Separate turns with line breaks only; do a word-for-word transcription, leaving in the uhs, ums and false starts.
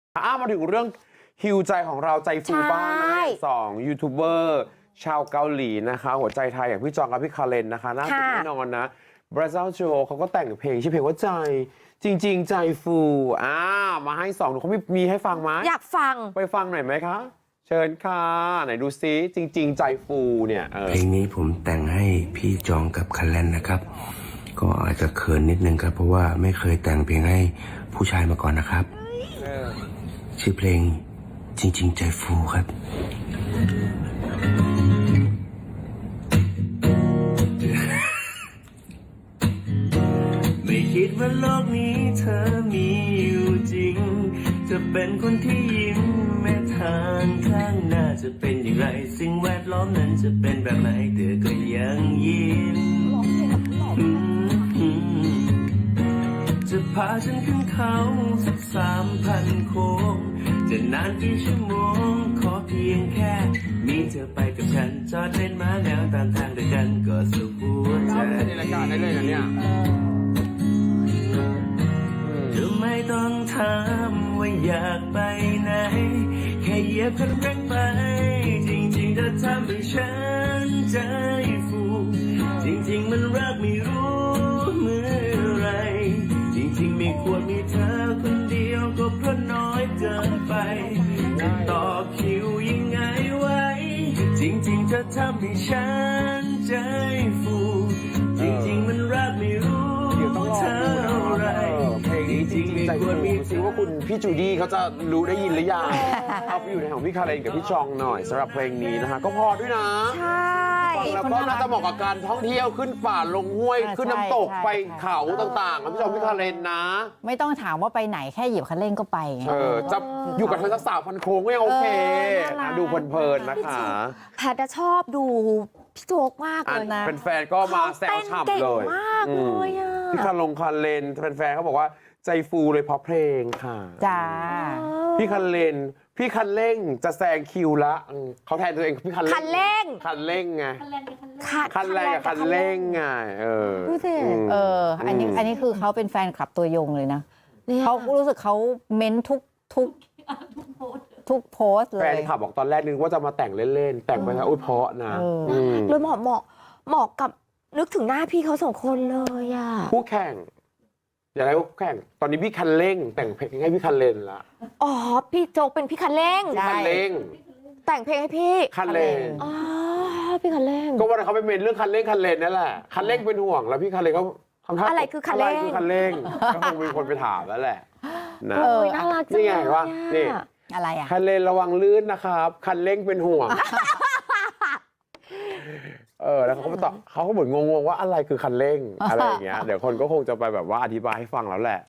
อ้ามาถึงเรื่องฮิวใจของเราใจฟูบ้างนะสองยูทูบเบอร์ชาวเกาหลีนะคะหัวใจไทยอย่างพี่จองกับพี่คาเรนนะคะน่าติดแน่นอนนะบราซิลโจเขาก็แต่งเพลงชื่อเพลงว่าใจจริงๆใจฟูอ่ามาให้สองเขามีมีให้ฟังไหม
อยากฟัง
ไปฟังหน่อยไหมคะเชิญค่ะไหนดูซิจริงๆใจฟูเนี่ย
เพลงนี้ผมแต่งให้พี่จองกับคาเรนนะครับก็อาจจะเขินนิดนึงครับเพราะว่าไม่เคยแต่งเพลงให้ผู้ชายมาก่อนนะครับชื่อเพลงจริงๆใจฟูครับไม่คิดว่าโลกนี้เธอมีอยู่จริงจะเป็นคนที่ยิ้มแม้ทางข้างหน้าจะเป็นอย่างไรสิ่งแวดล้อมนั้นจะเป็นแบบไหนเธอก็ยังยิ้มจะพาฉันขึ้นเขาสักสามพันโค้งจะนานกี่ชั่วโมงขอเพียงแค่มีเธอไปกับฉันจอดเล่นม้าแนวตามทางด้วยกันก็สุขหัวใจในรายการได้เลยนะเนี่ยเธอไม่ต้องถามว่าอยากไปไหนแค่เหยียบคันเร่งไปจริงๆเธอทำให้ฉันใจฟูจริงๆมันรักไม่รู้เมื่อไรจริงๆไม่ควรมีเธอคนเดียวก็เพราะน้อยเกินไปจะต่อคิวยังไงไว้จริงๆเธอทำให้ฉันใจฟูจริงๆมันรักไม่รู้เท่าไร
จริงๆใจฟูซิว่าคุณพี่จูดี้เขาจะรู้ได้ยินหรือยังเอาไปอยู่ในของพี่คาเรนกับพี่จองหน่อยสำหรับเพลงนี้นะคะก็พอด้วยนะ
ใช่
แล้วก็น่าจะเหมาะกับการท่องเที่ยวขึ้นป่าลงห้วยขึ้นน้ำตกไปเขาต่างๆพี่จองพี่คาเรนนะ
ไม่ต้องถามว่าไปไหนแค่หยิบคันเร่งก็ไป
เออจะอยู่กับเธอสักสาวพันโค้งก็ยังโอเคนะดูเพลินๆนะคะ
แพทชอบดูพี่โจ๊กมากเลยนะ
เป็นแฟนก็มาแซวฉ่ำเลย
มากเลยอ่ะ
พี่คาลงคาเรนแฟนๆเขาบอกว่าใจฟูเลยเพราะเพลงค่ะ
จ้า
พี่คันเลนพี่คันเร่งจะแซงคิวละเขาแทนตัวเองพี่คันเร่ง
คันเร่ง
คันเร่งไงคันแรงกับคันเร่งไงเออ
ดูสิเอออันนี้อันนี้คือเขาเป็นแฟนคลับตัวยงเลยนะเขารู้สึกเขาเม้นทุกทุกทุกโพสเลย
แฟนคลับบอกตอนแรกนึกว่าจะมาแต่งเล่นๆแต่งไปแล้วอุ้ยเพราะนะ
เลยเหมาะเหมาะเหมาะกับนึกถึงหน้าพี่เขาสองคนเลยอ่ะ
คู่แข่งอย่าได้คู่แข่งตอนนี้พี่คันเร่งแต่งเพลงให้พี่คันเลนละ
อ๋อพี่โจ๊กเป็นพี่คันเร่ง
คันเร่ง
แต่งเพลงให้พี่
คันเร่ง
อ๋อพี่คันเร่ง
ก็วันเขาไปเมนเรื่องคันเร่งคันเลนนั่นแหละคันเร่งเป็นห่วงแล้วพี่คันเลนเขาทำท่า
อะไรคือคันเร่ง
อะไรคือคันเร่งก็คงมีคนไปถามแล้วแหละนะ
เออน่ารักจัง
นี่ไงว่านี่
อะไรอ่ะ
คันเลนระวังลื่นนะครับคันเร่งเป็นห่วงเออแล้วเขาก็ตอบเขาก็เหมือนงงๆว่าอะไรคือคันเร่งอะไรอย่างเงี้ยเดี๋ยวคนก็คงจะไปแบบว่าอธิบายให้ฟังแล้วแหละ